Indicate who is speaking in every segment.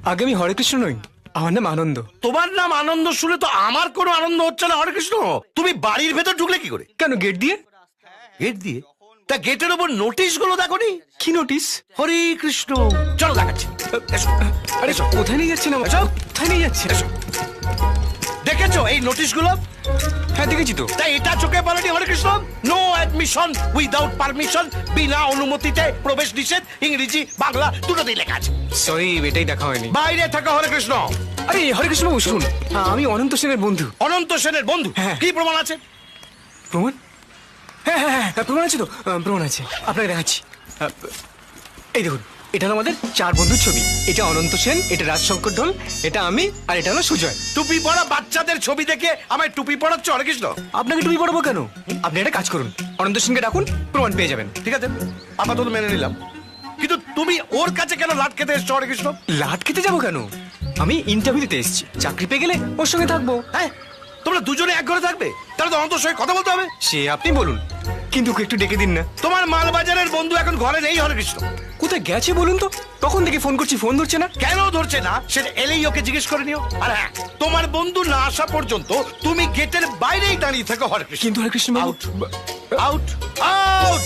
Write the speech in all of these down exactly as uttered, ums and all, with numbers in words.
Speaker 1: আগে আমি হরে কৃষ্ণ নই, আমার নাম আনন্দ।
Speaker 2: তোমার নাম আনন্দ শুনে তো আমার কোনো আনন্দ হচ্ছে না হরে কৃষ্ণ। তুমি বাড়ির ভেতর ঢুকলে কি করে?
Speaker 1: কেন গেট দিয়ে?
Speaker 2: গেট দিয়ে? তা গেটের ওপর নোটিশ গুলো দেখোনি?
Speaker 1: কি নোটিশ?
Speaker 2: হরে কৃষ্ণ। চলো দেখাচ্ছি। এসো।
Speaker 1: আরে
Speaker 2: এসো।
Speaker 1: কোথায় নিয়ে যাচ্ছেন আমাকে?
Speaker 2: এসো।
Speaker 1: কোথায় নিয়ে যাচ্ছেন?
Speaker 2: এসো। দেখেছো এই নোটিশ গুলো?
Speaker 1: হ্যাঁ দেখেছি তো।
Speaker 2: তাই এটা চোখে পড়েনি Hare Krishna? No admission without permission, বিনা অনুমতিতে প্রবেশ নিষেধ, ইংরেজি বাংলা দুটোতেই লেখা আছে।
Speaker 1: সরি, এটাই দেখা হয়নি।
Speaker 2: বাইরে থাকা হরে কৃষ্ণ।
Speaker 1: আরে হরে কৃষ্ণ বাবু শুনুন, আমি অনন্ত সেনের বন্ধু।
Speaker 2: অনন্ত সেনের বন্ধু?
Speaker 1: হ্যাঁ।
Speaker 2: কি প্রমাণ আছে?
Speaker 1: প্রমাণ? হ্যাঁ হ্যাঁ হ্যাঁ প্রমাণ আছে তো, আহ, প্রমাণ আছে, আপনাকে দেখাচ্ছি। আহ, এই দেখুন, এটা হলো আমাদের চার বন্ধুর ছবি। এটা অনন্ত সেন, এটা রাজশঙ্কর ঢোল, এটা আমি, আর এটা হলো সুজয়।
Speaker 2: টুপি পরা বাচ্চাদের ছবি দেখে আমায় টুপি পড়াচ্ছ হরে কৃষ্ণ?
Speaker 1: আপনাকে টুপি পড়াবো কেন? আপনি একটা কাজ করুন, অনন্ত সেনকে ডাকুন, প্রমাণ পেয়ে যাবেন।
Speaker 2: ঠিক আছে, আপাতত মেনে নিলাম, কিন্তু তুমি ওর কাছে কেন লাট খেতে এসছো হরে কৃষ্ণ?
Speaker 1: লাট খেতে যাবো কেন? আমি ইন্টারভিউ দিতে এসেছি, চাকরি পেয়ে গেলে ওর সঙ্গে থাকবো।
Speaker 2: হ্যাঁ, তোমরা দুজনে এক ঘরে থাকবে? তাহলে তো অনন্তর সঙ্গে কথা বলতে হবে।
Speaker 1: সে আপনি বলুন, কিন্তু ওকে একটু ডেকে দিন না।
Speaker 2: তোমার মালবাজারের বন্ধু এখন ঘরে নেই হরে কৃষ্ণ।
Speaker 1: কোথায় গেছে বলুন তো? তখন থেকে ফোন করছি, ফোন ধরছে না।
Speaker 2: কেন ধরছে না সেটা এলেই ওকে জিজ্ঞেস করে নিও। আর হ্যাঁ, তোমার বন্ধু না আসা পর্যন্ত তুমি গেটের বাইরেই দাঁড়িয়ে থাকো হরে কৃষ্ণ।
Speaker 1: কিন্তু হরে কৃষ্ণ বাবু,
Speaker 2: আউট আউট আউট।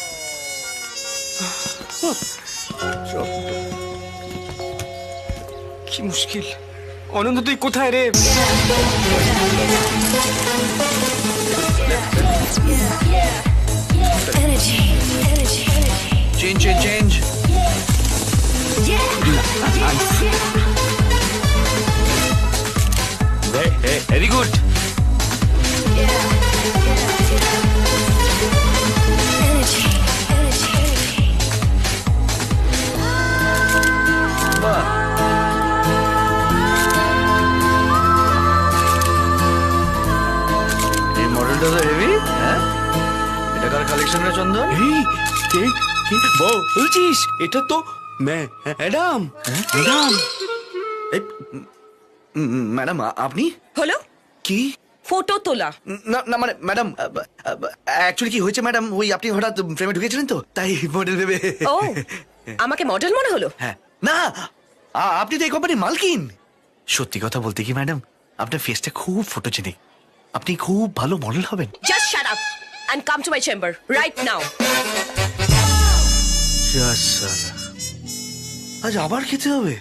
Speaker 1: কি মুশকিল। অনন্ত তুই কোথায় রে?
Speaker 3: Energy, energy, energy.
Speaker 2: Change change change. Very good.
Speaker 3: Energy, energy, energy.
Speaker 2: এই মডেলটা তো হেভি। হ্যাঁ, এটা কার কালেকশন রে চন্দন?
Speaker 1: এই কে কি বলছিস? এটা তো ম্যাডাম।
Speaker 4: ম্যাডাম, ম্যাডাম আপনি
Speaker 5: হলো
Speaker 4: কি?
Speaker 5: ফটো তোলা।
Speaker 4: না না মানে ম্যাডাম, অ্যাকচুয়ালি কি হয়েছে ম্যাডাম, ওই আপনি হঠাৎ ফ্রেমে ঢুকেছিলেন তো, তাই মডেল ভেবে।
Speaker 5: ও আমাকে মডেল মনে হলো?
Speaker 4: হ্যাঁ, না আ- আপনি তো এই কোম্পানির মালকিন। সত্যি কথা বলতে কি ম্যাডাম, আপনার ফেসটা খুব ফটোজেনিক, আপনি খুব ভালো মডেল হবেন।
Speaker 5: Just shut up and come to my chamber right now.
Speaker 4: আজ আবার খেতে হবে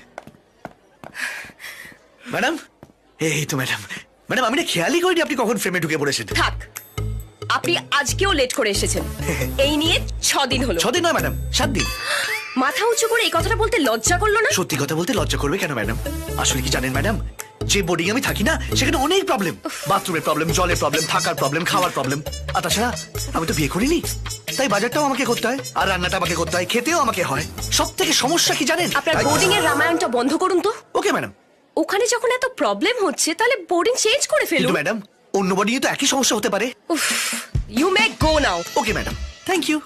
Speaker 4: ম্যাডাম। এই তো ম্যাডাম, ম্যাডাম আমি না খেয়ালই করিনি আপনি কখন ফ্রেমে ঢুকে পড়েছেন।
Speaker 5: থাক, আপনি আজকেও লেট করে এসেছেন। এই নিয়ে ছ দিন হলো।
Speaker 4: ছদিন নয় ম্যাডাম, সাত দিন।
Speaker 5: মাথা উঁচু করে এই কথাটা বলতে লজ্জা করলো না?
Speaker 4: সত্যি কথা বলতে লজ্জা করবে কেন ম্যাডাম? আসলে কি জানেন ম্যাডাম, যে বোর্ডিং আমি থাকি না সেখানে অনেক প্রবলেম, বাথরুমের প্রবলেম, জলের প্রবলেম, থাকার প্রবলেম, খাওয়ার প্রবলেম। আর তাছাড়া আমি তো বিয়ে করিনি, তাই বাজারটাও আমাকে করতে হয়, আর রান্নাটা আমাকে করতে হয়, খেতেও আমাকে হয়। সব থেকে সমস্যা কি জানেন?
Speaker 5: আপনার বোর্ডিং এর রামায়ণটা বন্ধ করুন তো।
Speaker 4: ওকে ম্যাডাম,
Speaker 5: ওখানে যখন এত প্রবলেম হচ্ছে তাহলে বোর্ডিং চেঞ্জ করে
Speaker 4: কিন্তু
Speaker 5: ফেলুন।
Speaker 4: ম্যাডাম অন্য বোর্ডিং তো একই সমস্যা হতে পারে।
Speaker 5: You may go now.
Speaker 4: Okay madam, thank you.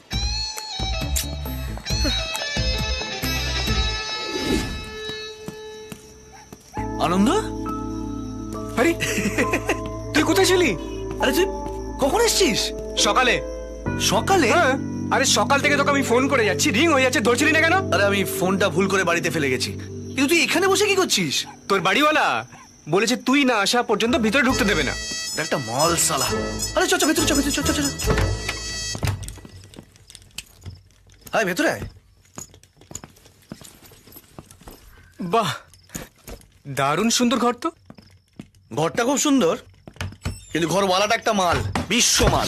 Speaker 1: Anand, আরে তুই কোথায় ছিলি?
Speaker 4: আরে তুই কখন এসছিস?
Speaker 1: সকালে।
Speaker 4: সকালে?
Speaker 1: হ্যাঁ, আরে সকাল থেকে তোকে আমি ফোন করে যাচ্ছি, রিং হয়ে যাচ্ছে, ধরছিলি না কেন?
Speaker 4: আরে আমি ফোনটা ভুল করে বাড়িতে ফেলে গেছি। কিন্তু তুই এখানে বসে কি করছিস?
Speaker 1: তোর বাড়িওয়ালা বলেছে তুই না আসা পর্যন্ত ভিতরে ঢুকতে দেবে না।
Speaker 4: একটা মল সালা। আরে চল চল ভেতরে, চল ভেতরে, চল চল চল। আয় ভেতরে আয়।
Speaker 1: বাহ, দারুণ সুন্দর ঘর তো।
Speaker 4: ঘরটা খুব সুন্দর, কিন্তু ঘরওয়ালাটা একটা মাল, বিশ্ব মাল।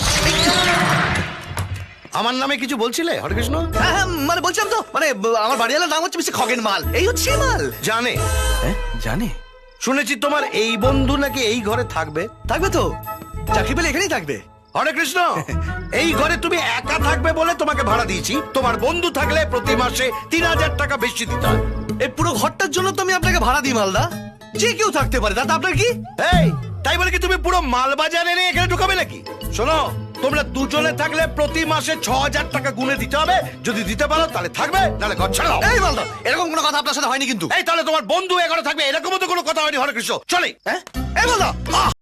Speaker 2: আমার নামে কিছু বলছিলে হরে কৃষ্ণ?
Speaker 4: হ্যাঁ হ্যাঁ, মানে বলছিলাম তো, মানে ব- আমার বাড়িওয়ালার নাম হচ্ছে মিস্টার খগেন মাল, এই হচ্ছে সেই মাল।
Speaker 2: জানে?
Speaker 4: হ্যাঁ জানে।
Speaker 2: শুনেছি তোমার এই বন্ধু নাকি এই ঘরে থাকবে।
Speaker 4: থাকবে তো, চাকরি পেলে এখানেই থাকবে।
Speaker 2: হরে কৃষ্ণ, এই ঘরে তুমি একা থাকবে বলে তোমাকে ভাড়া দিয়েছি। তোমার বন্ধু থাকলে প্রতি মাসে তিন হাজার টাকা বেশি দিতে হয়।
Speaker 4: এই পুরো ঘরটার জন্য তো আমি আপনাকে ভাড়া দিই মালদা, যে কেউ থাকতে পারে, তাতে আপনার কি?
Speaker 2: এই, তাই বলে কি তুমি পুরো মালবাজার এনে এখানে ঢুকাবে নাকি? শোনো, তোমরা দুজনে থাকলে প্রতি মাসে ছ হাজার টাকা গুনে দিতে হবে। যদি দিতে পারো তাহলে থাকবে, নাহলে ঘর ছেড়ে দাও।
Speaker 4: এই মালদা, এরকম কোনো কথা আপনার সাথে হয়নি কিন্তু।
Speaker 2: এই, তাহলে তোমার বন্ধু এ ঘরে থাকবে এরকম তো কোনো কথা হয়নি হরে কৃষ্ণ। চলে।
Speaker 4: হ্যাঁ এই মালদা, আহ!